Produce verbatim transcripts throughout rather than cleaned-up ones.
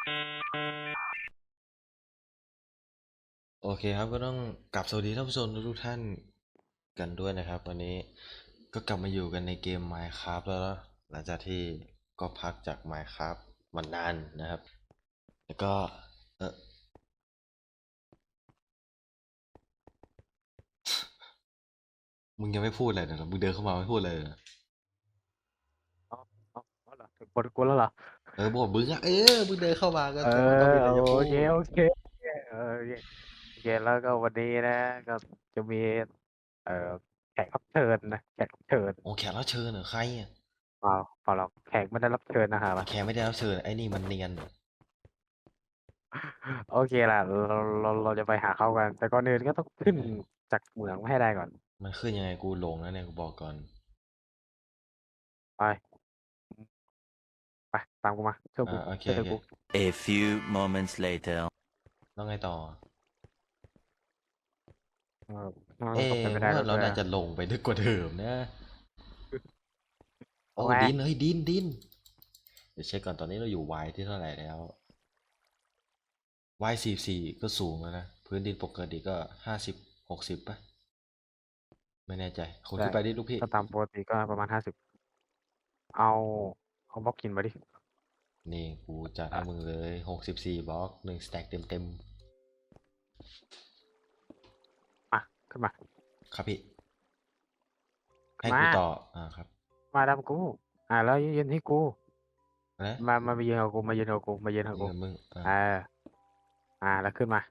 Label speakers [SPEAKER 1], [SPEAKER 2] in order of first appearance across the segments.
[SPEAKER 1] โอเคครับก็ต้องกลับสวัสดีท่านผู้ชมทุกท่านกันด้วยนะครับวันนี้ก็กลับมาอยู่กันในเกม Minecraft แล้วเนอะหลังจากที่ก็พักจาก Minecraft มานานนะครับแล้วก็เออมึงยังไม่พูดเลยนะมึงเดินเข้ามาไม่พูดเลยนะ
[SPEAKER 2] อ๋ออ๋ออ๋อเหรอถึงคนกูแล้วเหรอ
[SPEAKER 1] เออบอกมึงอะเออมึงเดินเข้ามาก็
[SPEAKER 2] เออ
[SPEAKER 1] แสดงว่าต้องมีอะไร
[SPEAKER 2] โอ
[SPEAKER 1] จะพู
[SPEAKER 2] เค
[SPEAKER 1] ด
[SPEAKER 2] โอเคเออโอเคโอเคแล้วก็วันนี้นะก็จะมีเอ่อแขกรับเชิญนะแขกรับเชิญ
[SPEAKER 1] โอ้แขกรับเชิญเหรอใครอ่ะ
[SPEAKER 2] เปล่าเปล่าหรอกแขกไม่ได้รับเชิญนะครับ
[SPEAKER 1] แขกไม่ได้รับเชิญไอ้นี่มันเนียน
[SPEAKER 2] โอเคล่ะเราเราเราจะไปหาเขากันแต่ก่อนอื่นก็ต้องขึ้นจากเหมืองให้ได้ก่อน
[SPEAKER 1] มันขึ้นยังไงกูหลงแล้วเนี่ยกูบอกก่อน
[SPEAKER 2] ไปไปตามกูมาเชื่อ
[SPEAKER 1] อ่า
[SPEAKER 2] กู
[SPEAKER 1] โอเคโอเค
[SPEAKER 2] เชื่อกู
[SPEAKER 3] A few moments later.
[SPEAKER 1] แล้วไงต่อ
[SPEAKER 2] เออมัน
[SPEAKER 1] เอ๊
[SPEAKER 2] ก็เป็นไปได้
[SPEAKER 1] ว่าเรา
[SPEAKER 2] ด้วย
[SPEAKER 1] น่าจะลงไปลึกกว่าเดิมนะโอ้
[SPEAKER 2] เอาไง
[SPEAKER 1] ดินเฮ้ยดินดินเดี๋ยวเช็คก่อนตอนนี้เราอยู่ Y ที่เท่าไหร่แล้ว Y สี่สี่ก็สูงแล้วนะพื้นดินปกติก็ห้าสิบหกสิบป่ะไม่แน่ใจคน
[SPEAKER 2] ได้
[SPEAKER 1] ขึ้นไปดิลูกพี่
[SPEAKER 2] ก็ตามปกติก็ประมาณห้าสิบเอาเอาบล็อกกินมาดิ
[SPEAKER 1] นี่กูจัดให้
[SPEAKER 2] อ่ะ
[SPEAKER 1] มึงเลยหกสิบสี่บล็อกหนึ่งสแต็กเต็มเต็ม
[SPEAKER 2] มาขึ้นมา
[SPEAKER 1] ครับพี่
[SPEAKER 2] ขึ้นมา
[SPEAKER 1] ให้กูต่ออ่าครับ
[SPEAKER 2] มาดามกูอ่าแล้วยืนให้กู
[SPEAKER 1] นะ
[SPEAKER 2] มามามายืนกับกูมายืนกับกูมายืนกับกู
[SPEAKER 1] นี่กับมึงอ่า
[SPEAKER 2] อ่าอ่าแล้วขึ้นมา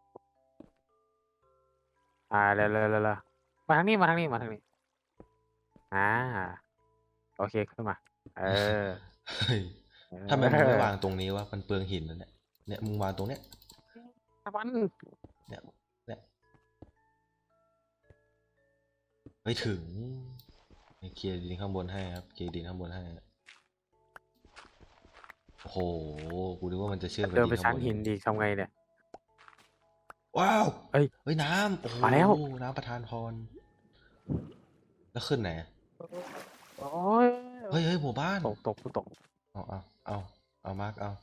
[SPEAKER 2] อ่าเร็วเร็วเร็วเร็วมาทางนี้มาทางนี้มาทางนี้อ่าโอเคขึ้นมาเออ
[SPEAKER 1] เฮ้ย
[SPEAKER 2] เ
[SPEAKER 1] ทำไมมึงไม่วาง
[SPEAKER 2] ออ
[SPEAKER 1] ตรงนี้วะมันเปลืองหินนะเนี่ยเนี่ยมึงวางตรงเนี้ย
[SPEAKER 2] มัน
[SPEAKER 1] เนี่ยเนี่ยไปถึงเคลียร์ดินข้างบนให้ครับเคลียร์ดินข้างบนให้ โอ้โหกูนึกว่ามันจะเชื่อมกับ
[SPEAKER 2] เดินไป
[SPEAKER 1] ดินข้างบน
[SPEAKER 2] ชั้นหินดีทำไงเนี่ย
[SPEAKER 1] ว้าว
[SPEAKER 2] เอ้ย
[SPEAKER 1] เฮ้ยน้ำโอ้โห
[SPEAKER 2] มาแล้ว
[SPEAKER 1] น้ำประทานพรแล้วขึ้นไหน
[SPEAKER 2] โอ้ย
[SPEAKER 1] เฮ้ยเฮ้ยหมู่บ้าน
[SPEAKER 2] ตกตกตก
[SPEAKER 1] เอาเอาเอาเอามาร์กเอา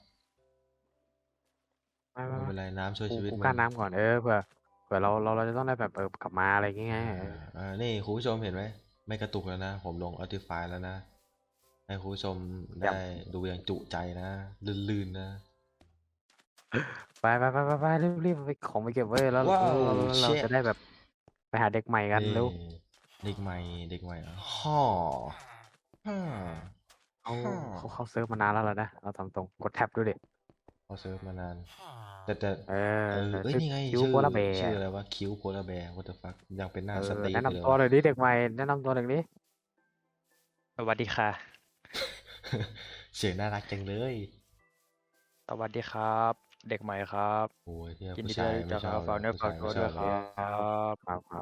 [SPEAKER 2] มามามา
[SPEAKER 1] ไม่เป็นไรน้ำช่วย
[SPEAKER 2] กู
[SPEAKER 1] ชีวิตมึง
[SPEAKER 2] กูกั้นน้ำก่อนเออเผื่อเผื่อเราเราเราจะต้องได้แบบเออกลับมาอะไรอย่างเงี้ย
[SPEAKER 1] อ่า
[SPEAKER 2] เออ
[SPEAKER 1] อ่านี่คุณผู้ชมเห็นไหมไม่กระตุกแล้วนะผมลง Optify แล้วนะให้คุณผู้ชมได้
[SPEAKER 2] เยี่ยม
[SPEAKER 1] ดูอย่างจุใจนะลื่นๆนะ
[SPEAKER 2] ไปไปไปไปไปรีบรีบไปของไปเก็บไว้แล้ว
[SPEAKER 1] ว้าว
[SPEAKER 2] แล้วแล้วแล้วเรา
[SPEAKER 1] เช็ด
[SPEAKER 2] จะได้แบบไปหาเด็กใหม่กัน
[SPEAKER 1] นี่
[SPEAKER 2] เร็ว
[SPEAKER 1] เด็กใหม่เด็กใหม่เหรอฮ่อฮ่า
[SPEAKER 2] เขา
[SPEAKER 1] ฮ่า
[SPEAKER 2] เขาเขาเซิร์ฟมานานแล้วเหรอนะเราทำตรงกดแท็บดูดิ
[SPEAKER 1] เขาเซิร์ฟมานานแต่แต่
[SPEAKER 2] เออ
[SPEAKER 1] เออเอ้ย
[SPEAKER 2] ชื่อ
[SPEAKER 1] นี่ไง
[SPEAKER 2] คิว
[SPEAKER 1] ชื่อ
[SPEAKER 2] โคลาเบร์
[SPEAKER 1] ชื่ออะไรวะคิวโพลาแบร์ what the fuck ยังเป็นห
[SPEAKER 2] เอ
[SPEAKER 1] น้าส
[SPEAKER 2] อ
[SPEAKER 1] ตีฟ
[SPEAKER 2] แนะนำตัว
[SPEAKER 1] อยู่เลยวะ
[SPEAKER 2] หน่อยดิเด็กใหม่แนะนำตัวหน่อยดิ
[SPEAKER 4] สวัสดีค่ะ
[SPEAKER 1] เสียงน่ารักจังเลย
[SPEAKER 4] สวัสดีครับเด็กใหม่ครับ
[SPEAKER 1] โอ้ยเนี่ย
[SPEAKER 4] ยิน
[SPEAKER 1] ผู้
[SPEAKER 4] ดีที่ได้
[SPEAKER 1] ชายไม่
[SPEAKER 4] รู้จักครับ
[SPEAKER 1] ชอบเลยผู้
[SPEAKER 4] ฝากเนื้อฝาก
[SPEAKER 1] ชายไม่ชอบเลย
[SPEAKER 4] ตัวด้วยครับ
[SPEAKER 2] ครับครับ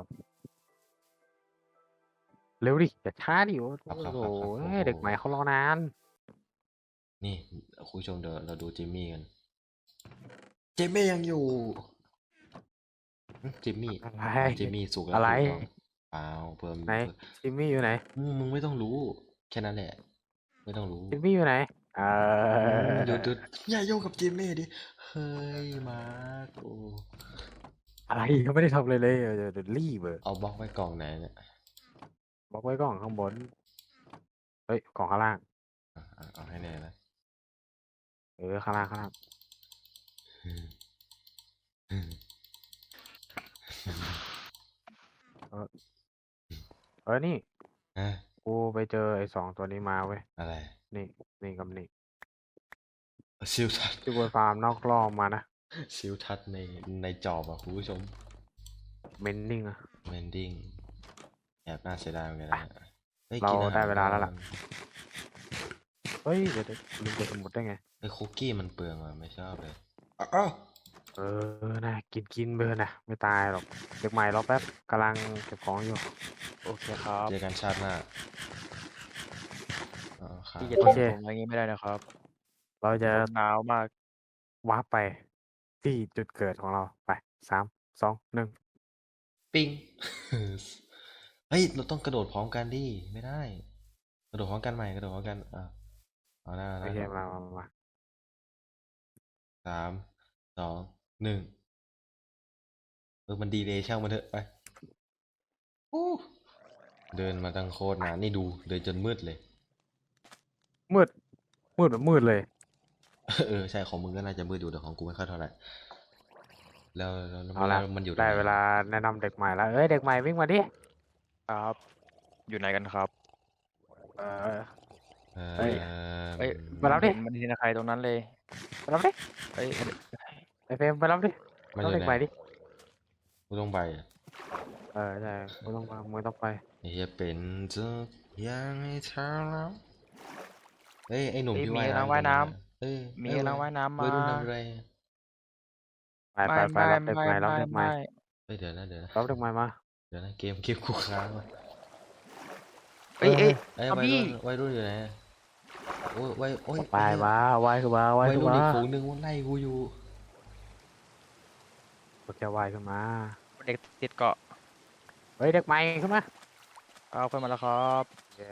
[SPEAKER 2] เร็วดิอย่าช้าดิโอ้
[SPEAKER 1] ครับครับ
[SPEAKER 2] โห
[SPEAKER 1] ครับครับโอ้โห
[SPEAKER 2] เด็กใหม่เขารอนาน
[SPEAKER 1] นี่คุณผู้ชมเดี๋ยวเราดูจิมมี่กันจิมมี่ยังอยู่หึจิมมี่
[SPEAKER 2] อะไร
[SPEAKER 1] จิมมี่สุกแล้
[SPEAKER 2] อะไร
[SPEAKER 1] วถูกต้องเปล่าเพิ่ม
[SPEAKER 2] ไหน
[SPEAKER 1] เพิ่ม
[SPEAKER 2] จิมมี่อยู่ไหน
[SPEAKER 1] อืมมึงไม่ต้องรู้แค่นั้นแหละไม่ต้องรู้
[SPEAKER 2] จิมมี่อยู่ไหนเอ
[SPEAKER 1] อืม
[SPEAKER 2] อ
[SPEAKER 1] หยุดหยุดอย่าโยงกับจิมมี่ดิเฮ้ยมาร์คโอ้
[SPEAKER 2] อะไรเขาไม่ได้ทำเลยเลยเดี๋ยวเดี๋ยวรีบเออ
[SPEAKER 1] เอาบล็อกไว้กล่องไหนเนี่ย
[SPEAKER 2] บอกไว้ก่อนข้างบนเฮ้ยกล่องข้างล่าง
[SPEAKER 1] อ่ะอ่ะเอาให้แน่นะ
[SPEAKER 2] เออข้างล่างข้างล่างเออเออนี่
[SPEAKER 1] ฮะ
[SPEAKER 2] กูไปเจอไอ้สองตัวนี้มาเว้ย
[SPEAKER 1] อะไร
[SPEAKER 2] นี่นี่กับนี่
[SPEAKER 1] ชิวทัด
[SPEAKER 2] ที่บนฟาร์มนอกรอบมานะ
[SPEAKER 1] ชิวทัดในในจอบอ่ะคุณผู้ชม
[SPEAKER 2] เมนนิ่งอะ
[SPEAKER 1] เมนดิ้งแอบน่าเสียดายเหมือนกัน
[SPEAKER 2] อ่ะ
[SPEAKER 1] นะเฮ้ย
[SPEAKER 2] เรา
[SPEAKER 1] กินอา
[SPEAKER 2] ได้
[SPEAKER 1] หาร
[SPEAKER 2] เวลาแล้ว
[SPEAKER 1] ก่อ
[SPEAKER 2] ล่ะ
[SPEAKER 1] น
[SPEAKER 2] เฮ้ยเดี๋ยวเดี๋ยวลืมกดสมุดได้ไง
[SPEAKER 1] ไอ้คุกกี้มันเปลืองอ่ะไม่ชอบเลยอ้าว
[SPEAKER 2] เออนะกินกินเบอร์นะไม่ตายหรอกเด็กใหม่รอแป๊บกำลังเก็บของอยู่
[SPEAKER 4] โอเคครับ
[SPEAKER 1] เจอกันชาติหน้าอ๋อครับ
[SPEAKER 4] พี่จะ
[SPEAKER 2] โอเค
[SPEAKER 4] ทิ้งผมอย่างนี้ไม่ได้นะครับ
[SPEAKER 2] เราจะ
[SPEAKER 4] ผมหนาวมาก
[SPEAKER 2] วาร์ปไปที่จุดเกิดของเราไปสามสองหนึ่ง
[SPEAKER 1] ปิ้งเฮ้ยเราต้องกระโดดพร้อมกันดิไม่ได้กระโดดพร้อมกันใหม่กระโดดพร้อมกันอ่ะเอาหน้าเอาห
[SPEAKER 2] โอเค
[SPEAKER 1] น้า
[SPEAKER 2] มามามา
[SPEAKER 1] สามสองหนึ่งเออมันดีเลยช่างมันเถอะไปอู้เดินมาตั้งโคตรนานนี่ดูเดินจนมืดเลย
[SPEAKER 2] มืดมืดแบบมืดเลย
[SPEAKER 1] เออใช่ของมึงก็น่าจะมืดอยู่แต่ของกูไม่ค่อยเท่าไหร่แล้วแล้วแล้ว
[SPEAKER 2] เอาละ
[SPEAKER 1] มันอยู่ตรง
[SPEAKER 2] ได้
[SPEAKER 1] ไหน
[SPEAKER 2] เวลาแนะนำเด็กใหม่แล้วเอ้ยเด็กใหม่วิ่งมาดิ
[SPEAKER 4] ครับ อยู่ไหนกันครับ
[SPEAKER 2] เออ
[SPEAKER 1] เออ
[SPEAKER 2] เอ้ย
[SPEAKER 4] เอ้ย
[SPEAKER 2] มารับดิ
[SPEAKER 4] เห็นมันทีนะใครตรงนั้นเลย
[SPEAKER 2] ไปรับดิ
[SPEAKER 4] เอ้ย
[SPEAKER 2] ไอเฟรมไปรับดิ
[SPEAKER 1] มัน
[SPEAKER 2] รับ
[SPEAKER 1] อยู่
[SPEAKER 2] เด็ก
[SPEAKER 1] ไหน
[SPEAKER 2] ใหม่ดิ
[SPEAKER 1] กูต้องไปอะ
[SPEAKER 2] เออใช่มึงต้องมามึงต้องไป
[SPEAKER 1] ไอ้เหี้ยเป็นทุกอย่างให้เธอแล้วเอ้ยไอ้หนุ่ม
[SPEAKER 4] เอ้ย
[SPEAKER 1] ที่
[SPEAKER 4] มี
[SPEAKER 1] ว่าย
[SPEAKER 4] กำลัง
[SPEAKER 1] น้ำ
[SPEAKER 4] ว่าย
[SPEAKER 1] ตรง
[SPEAKER 4] น้
[SPEAKER 1] อะเอ้ย
[SPEAKER 4] ำมี
[SPEAKER 1] เอ้ย
[SPEAKER 4] กำลังว่ายน้ำ
[SPEAKER 1] วั
[SPEAKER 4] มาย
[SPEAKER 1] รุ่นทำอะไร
[SPEAKER 2] ไปไปไปรับเด็กใหม่รับเด็กใหม่
[SPEAKER 1] เอ้ยเดี๋ยวนะเดี๋ยวนะ
[SPEAKER 2] รับเด็กใหม่มา
[SPEAKER 1] เดี๋ยวนะเกมเกมกูค้างวะ
[SPEAKER 4] เอ้ยเอ้ย
[SPEAKER 1] เอ้ย
[SPEAKER 4] เอา
[SPEAKER 1] วัย
[SPEAKER 4] พี่
[SPEAKER 1] รุ่นวัยรุ่นอยู่ไหนโอ้ยวัยโอ้ย
[SPEAKER 2] ไป
[SPEAKER 1] ไอ้เหี้ย
[SPEAKER 2] มาว่ายขึ้นมาว่าย
[SPEAKER 1] วัย
[SPEAKER 2] ขึ้น
[SPEAKER 1] รุ่น
[SPEAKER 2] มา
[SPEAKER 1] อีกฝูงหนึงมันไล่กูอยู่
[SPEAKER 2] โอเคว่ายขึ้นมา
[SPEAKER 4] เด็กติดเกาะ
[SPEAKER 2] เฮ้ยเด็กใหม่ขึ้นมา
[SPEAKER 4] เอาขึ้นมาแล้วครับ
[SPEAKER 2] โอเค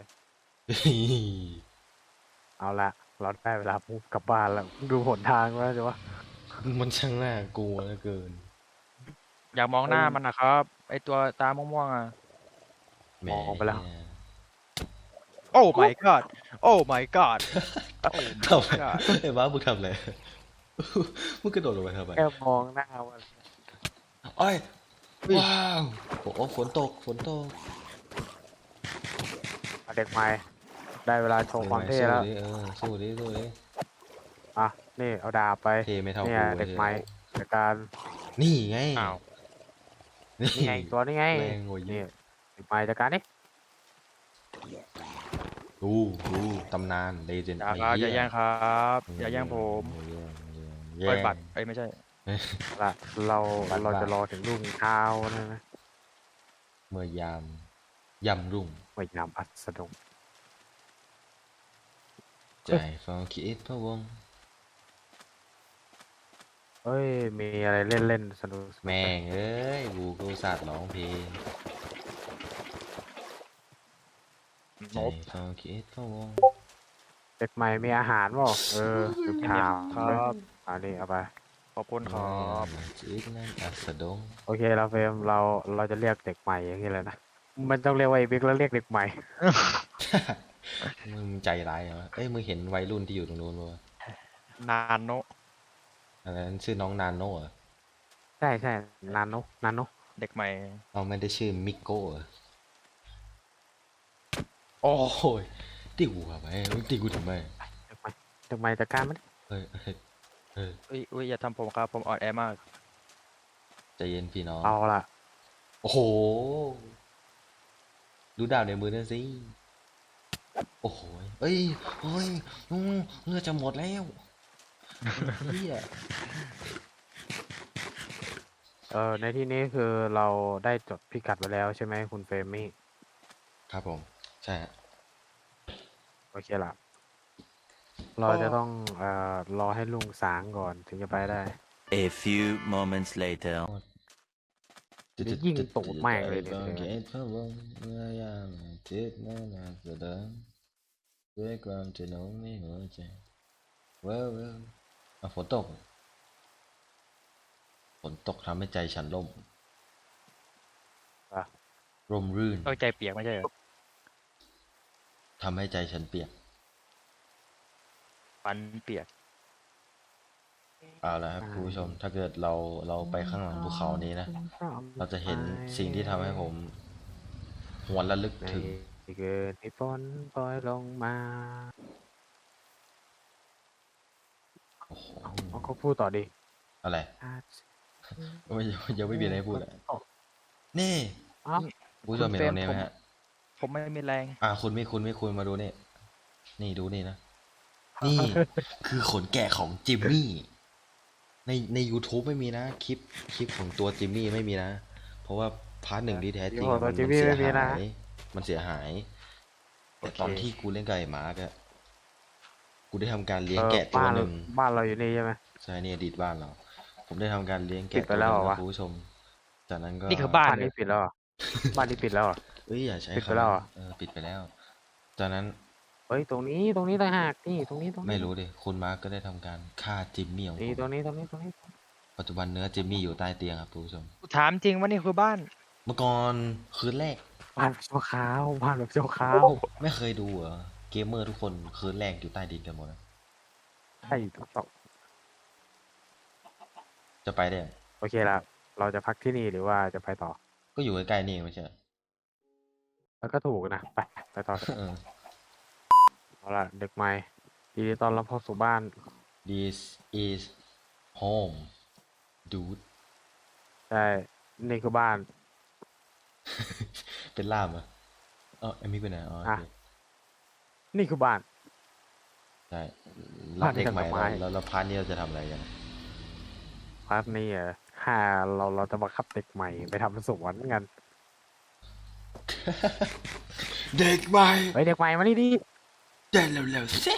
[SPEAKER 2] เอาละเราได้เวลาปุ๊บกลับบ้านแล้วดูหนทางแล้วใช่ปะ
[SPEAKER 1] มันช่างน่ากลัวเหลือเกิน
[SPEAKER 4] อยากมองหน้ามันนะครับ ไอตัวตาม่วงๆอ่ะ
[SPEAKER 1] แหม
[SPEAKER 2] มองไปแล้ว
[SPEAKER 4] โอ้ my god โอ้ my god โอ้
[SPEAKER 1] ทำ
[SPEAKER 4] my god
[SPEAKER 1] ไอ้บ้ามึงทำอะไร มึงกระโดดลงไปทำไม
[SPEAKER 2] แค่มองหน้าว่า
[SPEAKER 1] โอ้ยว้าวโอ้โหฝนตกฝนตก
[SPEAKER 2] เอาเด็กใหม่ได้เวลาโชว์ความเท่แล้ว
[SPEAKER 1] สู้ดิเออสู้ดิสู้ดิ
[SPEAKER 2] อ่ะนี่เอาดาบไป
[SPEAKER 1] เท่ไม่เท่า
[SPEAKER 2] เนี่ย
[SPEAKER 1] กู
[SPEAKER 2] เด็ก
[SPEAKER 1] เท่
[SPEAKER 2] ใหม่จากการ
[SPEAKER 1] นี่ไง
[SPEAKER 4] อ้าว
[SPEAKER 1] นี่
[SPEAKER 2] นี่ไงตัวนี่ไง
[SPEAKER 1] แรงกว่าเย
[SPEAKER 2] นี่
[SPEAKER 1] อะ
[SPEAKER 2] เด็กใหม่จากการนี่
[SPEAKER 1] ดูดูตำนานเลเจนด์
[SPEAKER 4] อย่าครับอย่าแย่งครับ อย่าแย่งผม
[SPEAKER 1] แย่
[SPEAKER 4] ปล่อย
[SPEAKER 1] ง
[SPEAKER 4] บัตรเอ้ยไม่ใช่
[SPEAKER 2] ละเรา
[SPEAKER 1] บัตร
[SPEAKER 2] เรา
[SPEAKER 1] ว่า
[SPEAKER 2] จะรอถึงรุ่งเช้านะนะ
[SPEAKER 1] เมื่อยามยำรุ่ง
[SPEAKER 2] ไม่ยามอัสดง
[SPEAKER 1] ใจฟังคิดพะวง
[SPEAKER 2] เอ้ยมีอะไรเล่นเล่นๆสนุกๆ
[SPEAKER 1] แม่งเอ้ยกูก็อุตสาดร้องเพลง
[SPEAKER 4] นบ
[SPEAKER 1] ใจฟังคิดพะวง
[SPEAKER 2] เด็กใหม่มีอาหารเปล่าเออลืมถาม
[SPEAKER 4] ครับ
[SPEAKER 2] อันนี้เอาไป
[SPEAKER 4] ขอบคุณครับ
[SPEAKER 1] จิตนั้นอัสดง
[SPEAKER 2] โอเคเราเฟรมเราเราจะเรียกเด็กใหม่อย่างนี้เลยนะมันต้องเรียกว่าไอ้บิ๊กแล้วเรียกเด็กใหม่
[SPEAKER 1] มึงใจร้ายเหรอเอ้ยมึงเห็นวัยรุ่นที่อยู่ตรงนู้นปะวะ
[SPEAKER 4] นานโน
[SPEAKER 1] อันนั้นชื่อน้องนานโน่เหรอ
[SPEAKER 2] ใช่ใช่นานโนนานโน
[SPEAKER 4] เด็กใหม่
[SPEAKER 1] เอาไม่ได้ชื่อมิโก้เหรอโอ้ยตีกูทำไมมึงตีกูทำไม
[SPEAKER 2] เด็กใหม่เด็กใหม่จัดการมัน
[SPEAKER 1] เฮ้ยเฮ้ยเฮ้ย
[SPEAKER 4] อุ้ยอุ้ยอย่าทำผมครับผมอ่อนแอมาก
[SPEAKER 1] ใจเย็นพี่น้อง
[SPEAKER 2] เอาล่ะ
[SPEAKER 1] โอ้โห ดูดาบในมือนั่นสิ โอ้โหเอ้ยเฮ้ยอืมเลือดจะหมดแล้วเฮีย
[SPEAKER 2] เออในที่นี้คือเราได้จดพิกัดไว้แล้วใช่ไหมคุณเฟรมมี่
[SPEAKER 1] ครับผม ใช่ฮะ
[SPEAKER 2] โอเคล่ะ เราจะต้องเอ่อรอให้ลุงสางก่อนถึงจะไปได้
[SPEAKER 3] A few moments later.
[SPEAKER 2] เดี๋ยวยิงตูดแม่งเลยเนี่ย
[SPEAKER 1] ใจฟังคิดพะวงเมื่อยามจิตนั้นอัสดงด้วยความที่น้องในหัวใจเว้าวเว้าวอ่ะฝนตก ฝนตกทำให้ใจฉันล่ม
[SPEAKER 2] อ่ะ
[SPEAKER 1] ร่มรื่น
[SPEAKER 4] เอ้ยใจเปียกไม่ใช่เหรอ
[SPEAKER 1] ทำให้ใจฉันเปียก
[SPEAKER 4] ฟันเปียก
[SPEAKER 1] เอาละครับคุณผู้ชม ถ้าเกิดเราเราไปข้างหลังภูเขานี้นะ เราจะเห็นสิ่งที่ทำให้ผมหวนระลึก
[SPEAKER 2] ใน
[SPEAKER 1] ถึง
[SPEAKER 2] เกิดที่ฝนปล่อยลงมา
[SPEAKER 1] โอ้โห
[SPEAKER 2] เอาก็พูดต่อดิ
[SPEAKER 1] อะไร
[SPEAKER 2] อาจ
[SPEAKER 1] ไม่ยังไม่มีอะไรให้พูดเลยนี่
[SPEAKER 2] เอ้า
[SPEAKER 1] คุณผู้ชมเห็นตรงนี้ไหมฮะ
[SPEAKER 4] ผมไม่มีแรง
[SPEAKER 1] อ่าคุณไม่คุณไม่คุณมาดูนี่ นี่ดูนี่นะ นี่ คือขนแกะของจิมมี่ ในใน YouTube ไม่มีนะ คลิปคลิปของตัวจิมมี่ไม่มีนะ เพราะว่าพาร์ทหนึ่งที่แท้จริง
[SPEAKER 2] คลิปของตัว
[SPEAKER 1] มัน
[SPEAKER 2] จิ
[SPEAKER 1] มั
[SPEAKER 2] ม
[SPEAKER 1] น
[SPEAKER 2] มี่
[SPEAKER 1] เสีย
[SPEAKER 2] ไม่มีนะ
[SPEAKER 1] หาย มันเสียหาย แต่ตอนที่กูเล่นกับไอ้มาร์กอะกูได้ทำการเลี้ยงแกะตัว
[SPEAKER 2] บ้าน
[SPEAKER 1] หนึ่ง
[SPEAKER 2] บ้านเราอยู่นี่ใช่ไหม
[SPEAKER 1] ใช่นี่อดีตบ้านเรา ผมได้ทำการเลี้ยง
[SPEAKER 2] ปิ
[SPEAKER 1] แกะ
[SPEAKER 2] ดไปแล้วเหรอวะ
[SPEAKER 1] ตัหนึ่งนะคุณผู้ชม จากนั้นก็
[SPEAKER 4] นี่คือบ้าน
[SPEAKER 2] บ้าน
[SPEAKER 4] เล
[SPEAKER 2] นี้
[SPEAKER 4] ย
[SPEAKER 2] ปิดแล้วเหรอบ้านนี้ปิดแล้วเหรอ
[SPEAKER 1] เอ้ยอย่าใช้
[SPEAKER 2] ปิดไป
[SPEAKER 1] คำ
[SPEAKER 2] แล้ว
[SPEAKER 1] นั้น
[SPEAKER 2] เหรอ
[SPEAKER 1] เออปิดไปแล้ว จากนั้น
[SPEAKER 2] เฮ้ยตรงนี้ตรงนี้ต่างหากนี่ตรงนี้ตรงนี้
[SPEAKER 1] ไม่รู้ดิคุณมาร์กก็ได้ทำการฆ่าจิมมี่ของ
[SPEAKER 2] นี่
[SPEAKER 1] ผม
[SPEAKER 2] ตรงนี้ตรงนี้ตรงนี้
[SPEAKER 1] ปัจจุบันเนื้อจิมมี่อยู่ใต้เตียงครับคุณผู้ชม
[SPEAKER 4] ถามจริงว่านี่คือบ้าน
[SPEAKER 1] เมื่อก่อนคืนแรก
[SPEAKER 2] บ้านแบบชั่วคราวบ้านแบบชั่วคราว
[SPEAKER 1] ไม่เคยดูเหรอเกมเมอร์ทุกคนคืนแรกอยู่ใต้ดินกันหมดนะ
[SPEAKER 2] ใช่ถูกต้อง
[SPEAKER 1] จะไปได้
[SPEAKER 2] โอเคละเราจะพักที่นี่หรือว่าจะไปต่อ
[SPEAKER 1] ก็อยู่ใกล้ๆนี่เองไม่ใช่เหรอ
[SPEAKER 2] แล้วก็ถูกนะไปไปต่อเถอะ
[SPEAKER 1] เออ
[SPEAKER 2] เอาล่ะเด็กใหม่ยินดีต้อนรับเข้าสู่บ้าน
[SPEAKER 1] This is home dude
[SPEAKER 2] ใช่นี่คือบ้าน
[SPEAKER 1] เป็นล่ามเหรอเออเอมิกไปไหนอ๋อโอ
[SPEAKER 2] อ่ะ
[SPEAKER 1] เค
[SPEAKER 2] นี่คือบ้าน
[SPEAKER 1] ใช่รับเด็กใหม่
[SPEAKER 2] บ้าน
[SPEAKER 1] แล้ว
[SPEAKER 2] เด็ก
[SPEAKER 1] แล้วแล้วพาร์ทนี้เราจะทำอะไรกัน
[SPEAKER 2] พาร์ทนี้อ่ะถ้าเราเราจะบังคับเด็กใหม่ไปทำสวนกัน
[SPEAKER 1] เด็กใหม่
[SPEAKER 2] เฮ้ยเด็กใหม่มานี่ดิ
[SPEAKER 1] เดินเร็วๆสิ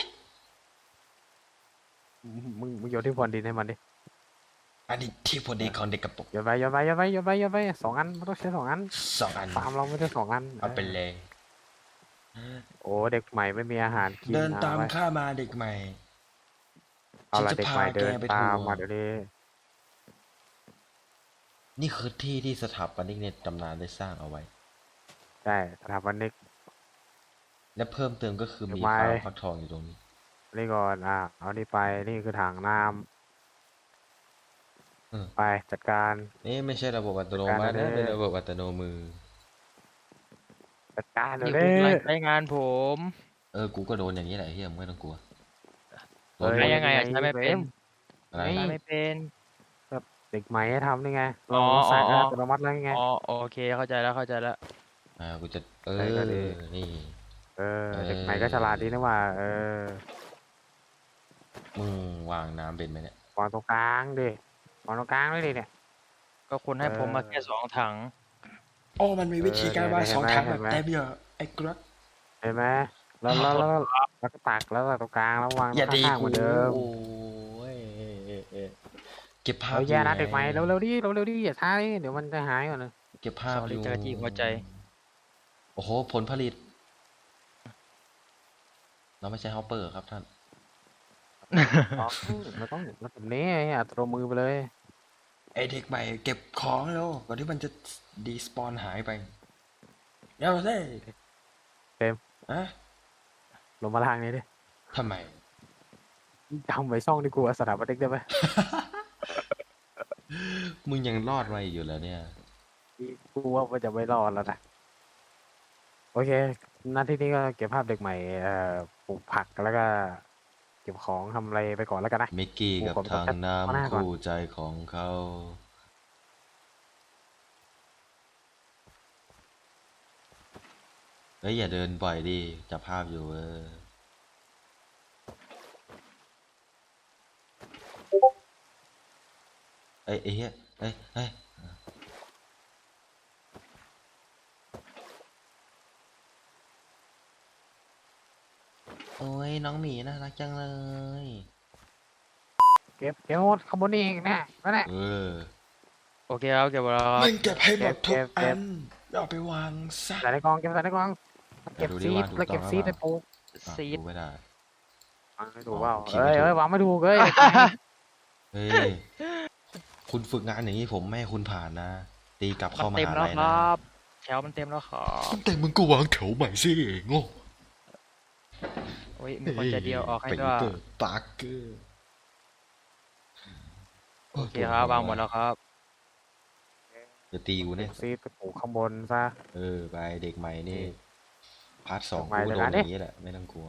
[SPEAKER 2] มึงมึงโยนที่พรวนดินให้มันดิ
[SPEAKER 1] อันนี้ที่พอดีของเด็กกระปุก
[SPEAKER 2] โยนไปโยนไปโยนไปโยนไปโยนไปสองอันมันต้องใช้สองอัน
[SPEAKER 1] สองอัน
[SPEAKER 2] ฟาร์มเราไม่ได้สองอัน
[SPEAKER 1] เอาไปเลย
[SPEAKER 2] โอ้เด็กใหม่ไม่มีอาหารกิน
[SPEAKER 1] เดินตาม
[SPEAKER 2] เอไว้
[SPEAKER 1] ข้ามาเด็กใหม่
[SPEAKER 2] เอาละ
[SPEAKER 1] ฉันจะ
[SPEAKER 2] เด็กใหม่
[SPEAKER 1] พา
[SPEAKER 2] เดิน
[SPEAKER 1] แกไป
[SPEAKER 2] ตาม
[SPEAKER 1] ทัวร์
[SPEAKER 2] มาเดี๋ยวนี้
[SPEAKER 1] นี่คือที่ที่สถาปนิกในตำนานได้สร้างเอาไว้
[SPEAKER 2] ใช่สถาปนิก
[SPEAKER 1] และเพิ่มเติมก็คือมี
[SPEAKER 2] เดี๋ยว
[SPEAKER 1] ฟาร์ม
[SPEAKER 2] ไม้
[SPEAKER 1] ฟักทองอยู่ตรงนี้
[SPEAKER 2] นี่ก่อนอ่ะเอานี่ไปนี่คือถังน้
[SPEAKER 1] เออ
[SPEAKER 2] ำไปจัดการ
[SPEAKER 1] นี่ไม่ใช่ระบบอัตโน
[SPEAKER 2] จัด
[SPEAKER 1] มั
[SPEAKER 2] การ
[SPEAKER 1] ตินะ
[SPEAKER 2] เลย
[SPEAKER 1] เป็นระบบอัตโนมือ
[SPEAKER 2] จัดการเดี๋ย
[SPEAKER 4] นี่
[SPEAKER 2] ว
[SPEAKER 4] คือ
[SPEAKER 2] นี้
[SPEAKER 4] รายรายงานผม
[SPEAKER 1] เออ กูก็โดนอย่างนี้แหละเฮียมึงไม่ต้องกลัวโด
[SPEAKER 2] เฮ้
[SPEAKER 1] น
[SPEAKER 2] ย
[SPEAKER 1] หม
[SPEAKER 4] ใช้
[SPEAKER 1] ด
[SPEAKER 4] ยังไงอะใช้ไม่เป็น
[SPEAKER 1] อะไร
[SPEAKER 2] นี่
[SPEAKER 4] ใช้ไม่เป็น
[SPEAKER 2] เด็กใหม่ให้ทำนี่ไง
[SPEAKER 4] อ๋
[SPEAKER 2] เรา
[SPEAKER 4] อ
[SPEAKER 2] สั่ง
[SPEAKER 4] อ๋อ
[SPEAKER 2] อัตโนมัติแล้วไง
[SPEAKER 4] อ๋อโอเคเข้าใจแล้วเข้าใจแล้ว
[SPEAKER 1] อ่า กูจะ เอ
[SPEAKER 2] ใช่ก็ดี
[SPEAKER 1] อ นี่
[SPEAKER 2] เออ
[SPEAKER 1] เออ
[SPEAKER 2] เด็กใหม่ก็ฉลาดดีนะว่า เออ
[SPEAKER 1] มึงวางน้ำเป็นไหมเนี่ย
[SPEAKER 2] วางตรงกลางดิวางตรงกลางเลยดิเนี่ย
[SPEAKER 4] ก็คุณให้ผมมาแค่สองถัง
[SPEAKER 1] โอ้ มันมีวิธีการวาง
[SPEAKER 2] เออ
[SPEAKER 1] สอง
[SPEAKER 2] เห็นไหม
[SPEAKER 1] ทางแบบ
[SPEAKER 2] เห็นไหม
[SPEAKER 1] เต็มเยอะไอ้กรัก
[SPEAKER 2] เห็นไหมแล้วแล้วแล้วแล้วก็ตักแล้วก็ตรงกลางแล้ววาง
[SPEAKER 1] อย่าดี
[SPEAKER 2] ข้างๆเห
[SPEAKER 1] กู
[SPEAKER 2] มือนเดิม
[SPEAKER 1] โอ้ยเก็บภาพ
[SPEAKER 2] เฮ้ยแย่นะ
[SPEAKER 1] อยู่
[SPEAKER 2] เด็กใหม่
[SPEAKER 1] ไง
[SPEAKER 2] เร็วๆดิเร็วๆดิอย่าช้าดิเดี๋ยวมันจะหายก่อนนะ
[SPEAKER 1] เก็บภาพ
[SPEAKER 4] Sorry
[SPEAKER 1] อยู่
[SPEAKER 4] เจ้าหน้าที่หัวใจ
[SPEAKER 1] โอ้โห ผลผลิต เราไม่ใช่ฮอปเปอร์ครับท่าน
[SPEAKER 2] อ๋อมันต้องมันแบบนี้ไอ้อัตโนมือไปเลย
[SPEAKER 1] ไอเด็กใหม่เก็บของแล้วก่อนที่มันจะดีสปอนหายไปเดี๋ยวสิ
[SPEAKER 2] เต็ม
[SPEAKER 1] อะ
[SPEAKER 2] ลงมาทางนี้ดิ
[SPEAKER 1] ทำไม
[SPEAKER 2] จำไว้ช่องที่กูสถาปนิกได้ไหม
[SPEAKER 1] มึงยังรอดมาอยู่แล้วเนี่ย
[SPEAKER 2] กูว่ามันจะไม่รอดแล้วนะโอเคหน้าที่นี้ก็เก็บภาพเด็กใหม่เอ่อปลูกผักแล้วก็ เก็บของทำอะไรไปก่อนแล้วกันนะ
[SPEAKER 1] มิกกี้กับ
[SPEAKER 2] กูขอไป
[SPEAKER 1] ทาง
[SPEAKER 2] จัดข้อหน้า
[SPEAKER 1] น้ำ
[SPEAKER 2] ก่อน
[SPEAKER 1] คู่ใจของเขาเฮ้ย อย่าเดินบ่อยดิจับภาพอยู่เออ เอ้ยไอ้เหี้ยเอ้ยเอ้ยโอ้ย น้องหมีน่ารักจังเลย
[SPEAKER 2] เก็บเก็บหมดขางบวนนี่เองนะนั่นแหละ
[SPEAKER 1] เออ
[SPEAKER 4] โอเคครับเก็บแล้วครับ
[SPEAKER 1] มึงเก็บให้หมดทุก
[SPEAKER 2] เก็บเก็
[SPEAKER 1] อั
[SPEAKER 2] บ
[SPEAKER 1] นแล้วเอาไปวางซะ
[SPEAKER 2] ใส่ในกล่องเก็บใส่ในกล่องเก็บ
[SPEAKER 1] ดูดิ
[SPEAKER 2] ซีด
[SPEAKER 1] ว่าถูก
[SPEAKER 2] แล้วเก็บ
[SPEAKER 1] ต้อง
[SPEAKER 2] ซีด
[SPEAKER 1] หรื
[SPEAKER 2] ใน
[SPEAKER 1] อเปล่า
[SPEAKER 2] ปลูก
[SPEAKER 1] อ่ะ
[SPEAKER 4] ซีด
[SPEAKER 1] ดูไม่ได้
[SPEAKER 2] วางไม่ถูกเปล่า
[SPEAKER 1] อ๋อพิมพ์
[SPEAKER 2] เอ้
[SPEAKER 1] ไม่ถูก
[SPEAKER 2] ยเอ้ยวางไม่ถูกเอ้ย
[SPEAKER 1] เฮ้ย คุณฝึกงานอย่างนี้ผมไม่ให้คุณผ่านนะ ตีกลับ
[SPEAKER 4] มั
[SPEAKER 1] เข้าน ม
[SPEAKER 4] เต็ม
[SPEAKER 1] หา
[SPEAKER 4] แล้ว
[SPEAKER 1] ลัย
[SPEAKER 4] ค
[SPEAKER 1] นะ
[SPEAKER 4] รับ แถวมันเต็มแล้วครับ
[SPEAKER 1] แต่มึงก็วางแถวใหม่สิโง่
[SPEAKER 4] โอ้ยมีคนใจะเดียวออกให้
[SPEAKER 1] เป็น
[SPEAKER 4] ด้วย
[SPEAKER 1] เตอร์ปาร์เกอร์
[SPEAKER 4] โอเคครับวางหมดแล้วครับ
[SPEAKER 1] จะตีกู
[SPEAKER 2] เก็
[SPEAKER 1] เนี่ย
[SPEAKER 2] บซีดไปปลูกข้างบนซะ
[SPEAKER 1] เออ ไปเด็กใหม่นี่ พาร์ทสอง
[SPEAKER 2] เด็กใหม่
[SPEAKER 1] กูก็โด
[SPEAKER 2] เลย
[SPEAKER 1] น
[SPEAKER 2] นะ
[SPEAKER 1] อย่างนี้แหละ ไม่ต้องกลัว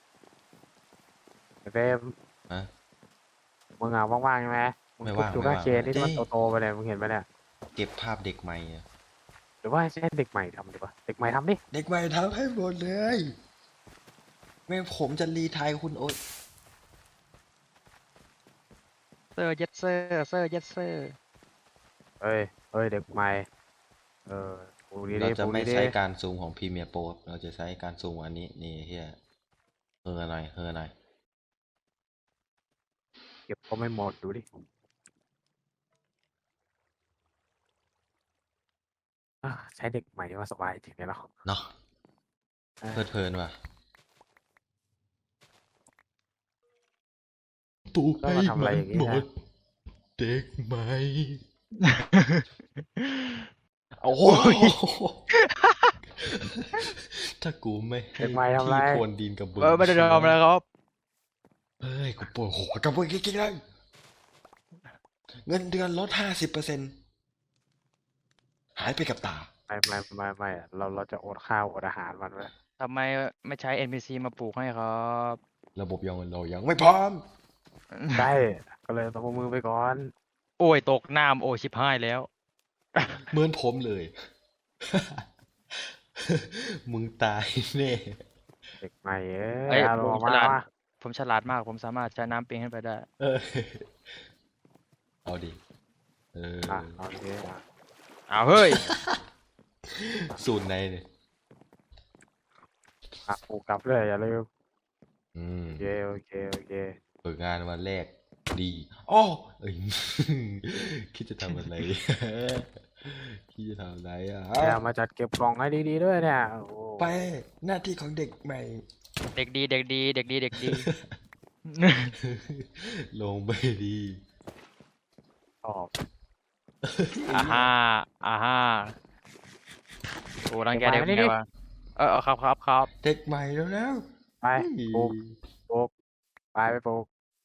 [SPEAKER 2] เต็ม
[SPEAKER 1] ฮะ
[SPEAKER 2] มึงอ่ะว่างๆใช่ไหมมึง
[SPEAKER 1] ไม่
[SPEAKER 2] ทุบ
[SPEAKER 1] ว่าง
[SPEAKER 2] จู
[SPEAKER 1] ไม่
[SPEAKER 2] ก้า
[SPEAKER 1] ว่าง
[SPEAKER 2] เคนที่มัน
[SPEAKER 1] เอ้ย
[SPEAKER 2] โตๆไปเลยมึงเห็นไหมเนี่ย
[SPEAKER 1] เก็บภาพเด็กใหม่อะ
[SPEAKER 2] หรือว่าให้เด็กใหม่ทำดีกว่าเด็กใหม่ทำดิ
[SPEAKER 1] เด็กใหม่ทำให้หมดเลยไม่งั้นผมจะรีไทายคุณโอ๊ย
[SPEAKER 4] เซอร์เย็ดเซอร์เซอร์เย็ดเซอร์
[SPEAKER 2] เอ้ยเอ้ยเด็กใหม่เออปลูกดี
[SPEAKER 1] เรา
[SPEAKER 2] ๆ
[SPEAKER 1] จะ
[SPEAKER 2] ปลูก
[SPEAKER 1] ไม่
[SPEAKER 2] ดี
[SPEAKER 1] ใช้การซูมของพรีเมียร์โปรเราจะใช้การซูมอันนี้นี่เฮียเฮอหน่อยเฮอหน่อย
[SPEAKER 2] ๆเก็บก็ไม่หมดดูดิอ่ะใช้เด็กใหม่ที่ว่าสบายจริงเลยเนาะ
[SPEAKER 1] เนาะ
[SPEAKER 2] เออ
[SPEAKER 1] เพลิดเพลินว่ะปลูก
[SPEAKER 2] ต้อง
[SPEAKER 1] ให้
[SPEAKER 2] มาทำอะไร
[SPEAKER 1] มัน
[SPEAKER 2] อย่างงี้
[SPEAKER 1] หม
[SPEAKER 2] นะ
[SPEAKER 1] ด เด็กใหม่โอ้โหถ้ากูไม่ให้
[SPEAKER 2] เด็กใหม่ทำไร
[SPEAKER 1] ที่พรวนดินกับมึง
[SPEAKER 4] เออไม่ได้ทำอะไรครับ
[SPEAKER 1] เฮ้ยกูปวดหัวกับมึงจริงๆเลยเงินเดือนลดห้าสิบเปอร์เซ็นต์หายไปกับตา
[SPEAKER 2] ไม่ไม่ไม่ไม่เราเราจะอดข้าวอดอาหารมันไว้
[SPEAKER 4] ทำไมไม่ใช้ เอ็น พี ซี มาปลูกให้ครับ
[SPEAKER 1] ระบบยังเรายังไม่พร้อม
[SPEAKER 2] ใช่ก็เลยต้องเอามือไปก่อน
[SPEAKER 4] โอ้ยตกน้ำโอ้ยชิบหายแล้ว
[SPEAKER 1] เหมือนผมเลย มึงตายแน่
[SPEAKER 2] เด็กใหม่เอ้
[SPEAKER 4] เอ้
[SPEAKER 2] ย
[SPEAKER 4] ย
[SPEAKER 2] เอา
[SPEAKER 4] ผม
[SPEAKER 2] ออก
[SPEAKER 4] ฉ
[SPEAKER 2] มา
[SPEAKER 4] ลาด
[SPEAKER 2] มา
[SPEAKER 4] ผมฉลาดมาก ผมสามารถใช้น้ำปิงขึ้นไปได้
[SPEAKER 1] เออเอาดิเออ
[SPEAKER 2] อ่ะโอเคอ่ะ
[SPEAKER 4] อ้าวเฮ้ย
[SPEAKER 1] สูตรในเนี่ย
[SPEAKER 2] อ่ะปลูกกลับเลยอย่าลืม
[SPEAKER 1] อืม
[SPEAKER 2] โอเคโอเคโอเค
[SPEAKER 1] ฝึกงานวันแรกดีอ้อเอ้ย คิดจะทำอะไร คิดจะทำอะไรอ่ะ
[SPEAKER 2] เนี่ยมาจัดเก็บกล่องให้ดีๆด้วยเนี่ยโอ้โห
[SPEAKER 1] ไปหน้าที่ของเด็กใหม่
[SPEAKER 4] เด็กดีเด็กดีเด็กดีเด็กดี
[SPEAKER 1] ลงไปดี
[SPEAKER 2] ชอบ
[SPEAKER 4] อ่าฮ่าอ่าฮ่าโอ้รังแกเด็กไงวะเออเออครับครับครับ
[SPEAKER 1] เด็กใหม่แล้วแล้ว
[SPEAKER 2] ไปปลูกปลูกไปไปปลูก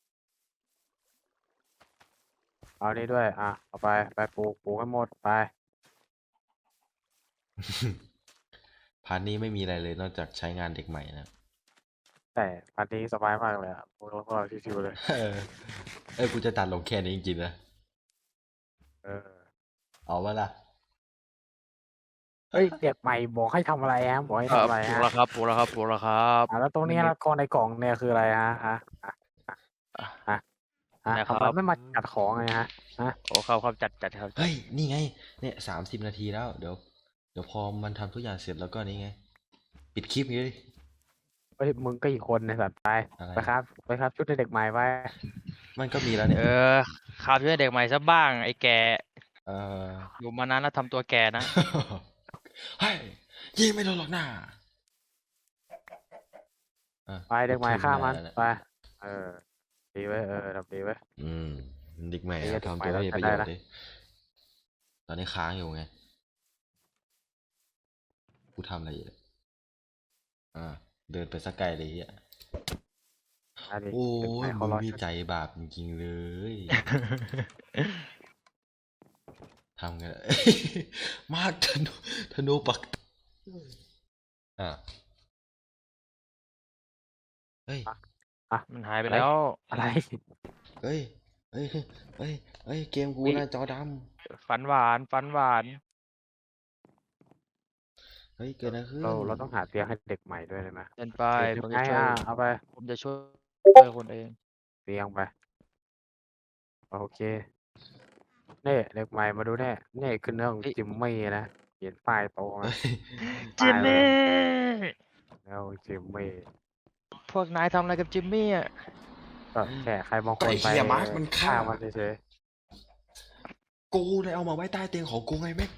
[SPEAKER 2] เอานี่ด้วยอ่ะเอาไปไปปลูกปลูกให้หมดไป
[SPEAKER 1] พาร์ทนี้ไม่มีอะไรเลยนอกจากใช้งานเด็กใหม่นะ
[SPEAKER 2] แต่พันนี้สบายมากเลยอ่ะพวกเราพวกเราชิวๆเลย
[SPEAKER 1] เออเออกูจะตัดลงแค่นี้จริงๆนะ
[SPEAKER 2] เออ
[SPEAKER 1] เอาวะล่ะ
[SPEAKER 2] เฮ้ยเด็กใหม่บอกให้ทำอะไรฮะบอกให้
[SPEAKER 4] เออ
[SPEAKER 2] ทำอะไร
[SPEAKER 4] ปลูก
[SPEAKER 2] ฮะ
[SPEAKER 4] แล้วครับปลูกแล้วครับปลูกแล้วครับ
[SPEAKER 2] อ่ะแล้วตรงนี้ละกองในกล่องเนี่ยคืออะไรฮะฮะฮะฮะฮะฮะ
[SPEAKER 4] นะครับ
[SPEAKER 2] ทำไมไม่มาจัดของไงฮะฮะ
[SPEAKER 4] โอ้ครับครับจัดจัดครับ
[SPEAKER 1] เฮ้ย นี่ไง เนี่ยสามสิบนาทีแล้ว เดี๋ยว เดี๋ยวพอมันทำทุกอย่างเสร็จแล้วก็นี่ไง ปิดคลิปนี้ดิ
[SPEAKER 2] เฮ้ยมึงก็อีกคนในสัตว์ไป
[SPEAKER 1] อะไร
[SPEAKER 2] ไปครับไปครับชุดเด็กใหม่ไป
[SPEAKER 1] มันก็มีแล้วเนี่ย
[SPEAKER 4] เออข่าวช่วยเด็กใหม่ซะบ้างไอ้แก
[SPEAKER 1] เออ
[SPEAKER 4] อยู่มานานแล้วทำตัวแกนะ
[SPEAKER 1] เฮ้ยยิงไม่โดนหรอกหน้าอ่ะ
[SPEAKER 2] ไปเด็กใหม่
[SPEAKER 1] ถึง
[SPEAKER 2] ฆ่ามัน
[SPEAKER 1] แล้วะ
[SPEAKER 2] ไปเออดีไว้ยเออทำดีไว้ย
[SPEAKER 1] อืมเด็กใหม่
[SPEAKER 2] ไอ้เหี้ย
[SPEAKER 1] ทำ
[SPEAKER 2] เด็กใหม่
[SPEAKER 1] ตัวให้มีประโยช
[SPEAKER 2] เรา
[SPEAKER 1] น์
[SPEAKER 2] ใช้ได้
[SPEAKER 1] ดิตอนนี้ค้างอยู่ไง กูทำอะไรอยู่เนี่ยอ่า เดินไปสักไกลเลยเฮีย
[SPEAKER 2] อันนี้
[SPEAKER 1] โอ้
[SPEAKER 2] เด็กใหม่
[SPEAKER 1] ย
[SPEAKER 2] เขา
[SPEAKER 1] มึง
[SPEAKER 2] รอ
[SPEAKER 1] มี
[SPEAKER 2] ชุด
[SPEAKER 1] ใจบาปจริงๆเลย ทำกัน มากธนูธนูปัก อ่ะเฮ้ย
[SPEAKER 4] มันหายไปแล้ว
[SPEAKER 2] อะไร
[SPEAKER 1] เฮ้ย เฮ้ย เฮ้ย เฮ้ย เกมกู
[SPEAKER 4] อุ๊ย
[SPEAKER 1] หน้าจอด
[SPEAKER 4] ฝันหวานฝันหวาน
[SPEAKER 1] ำเฮ้ย เกิดอะไรขึ้น
[SPEAKER 2] เราเราต้องหาเตียงให้เด็กใหม่ด้วยเลยไหม
[SPEAKER 4] เดินไป
[SPEAKER 2] เดี๋ยว
[SPEAKER 4] ผม
[SPEAKER 2] ไง
[SPEAKER 4] จะช่วย
[SPEAKER 2] อ่ะเอาไป
[SPEAKER 4] ผมจะช่วยช่วยคนเอง
[SPEAKER 2] เตียงไปโอเคนี่เด็กใหม่มาดูแน่นี่คือเรื่องของจิมมี่นะเขียนป้ายโตมา
[SPEAKER 4] จิมมี่
[SPEAKER 2] แล้วจิมมี่
[SPEAKER 4] พวกนายทำอะไรกับจิมมี่อ่ะ
[SPEAKER 2] ก็แค่ใครบางคน
[SPEAKER 1] ไอ้
[SPEAKER 2] ไป
[SPEAKER 1] เหี้ยมาร์คมันฆ่า
[SPEAKER 2] มันเฉย
[SPEAKER 1] กูเลยเอามาไว้ใต้เตียงของกูไงแม่ง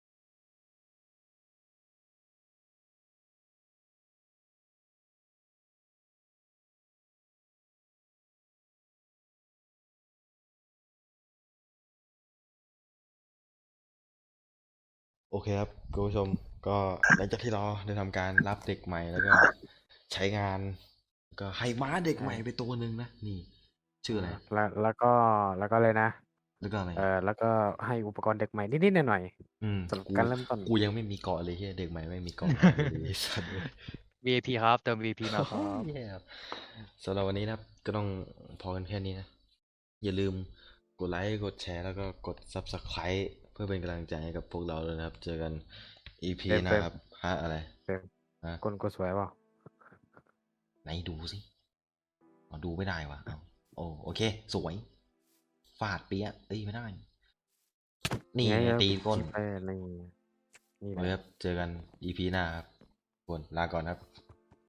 [SPEAKER 1] โอเคครับคุณผู้ชมก็หลังจากที่เราได้ทำการรับเด็กใหม่แล้วก็ใช้งาน ก็ให้ม้าเด็กใหม่ไปตัวหนึ่งนะ นี่ ชื่ออะไร
[SPEAKER 2] ๆแล้วแล้วก็แล้วก็เลยนะ
[SPEAKER 1] แล้วก็อะไร
[SPEAKER 2] เออแล้วก็ให้อุปกรณ์เด็กใหม่นิดๆหน่อย
[SPEAKER 1] อืม
[SPEAKER 2] ๆสำหรับ
[SPEAKER 1] กู
[SPEAKER 2] การเริ่มต้น
[SPEAKER 1] กูยังไม่มีเกาะเลยเฮียเด็กใหม่ไม่มีเกาะ ไอ้สัตว์เลย
[SPEAKER 4] วี ไอ พี ครับ เติม วี ไอ พี มาครับ
[SPEAKER 1] แย่ครับสำหรับวันนี้นะครับ ก็ต้องพอกันแค่นี้นะ อย่าลืมกดไลค์ กดแชร์ แล้วก็กด Subscribe เพื่อเป็นกำลังใจให้กับพวกเราเลยนะครับ เจอกัน อี พี
[SPEAKER 2] เฟรม
[SPEAKER 1] หนะครับฮะอะไร
[SPEAKER 2] เฟรม
[SPEAKER 1] ฮะ
[SPEAKER 2] คนก็สวยเปล่า
[SPEAKER 1] ไหนดูสิอ๋อดูไม่ได้วะเอาโอ้โอเค สวย ฟาดเปียะเอ้ยไม่ได้ นี่
[SPEAKER 2] ไง
[SPEAKER 1] ไง
[SPEAKER 2] ครับ
[SPEAKER 1] ตีก้น
[SPEAKER 2] เออนี่นี่
[SPEAKER 1] ไว้
[SPEAKER 2] นะ
[SPEAKER 1] ครับ เจอกัน อี พี หน้าครับทุกคนลาก่อนครับ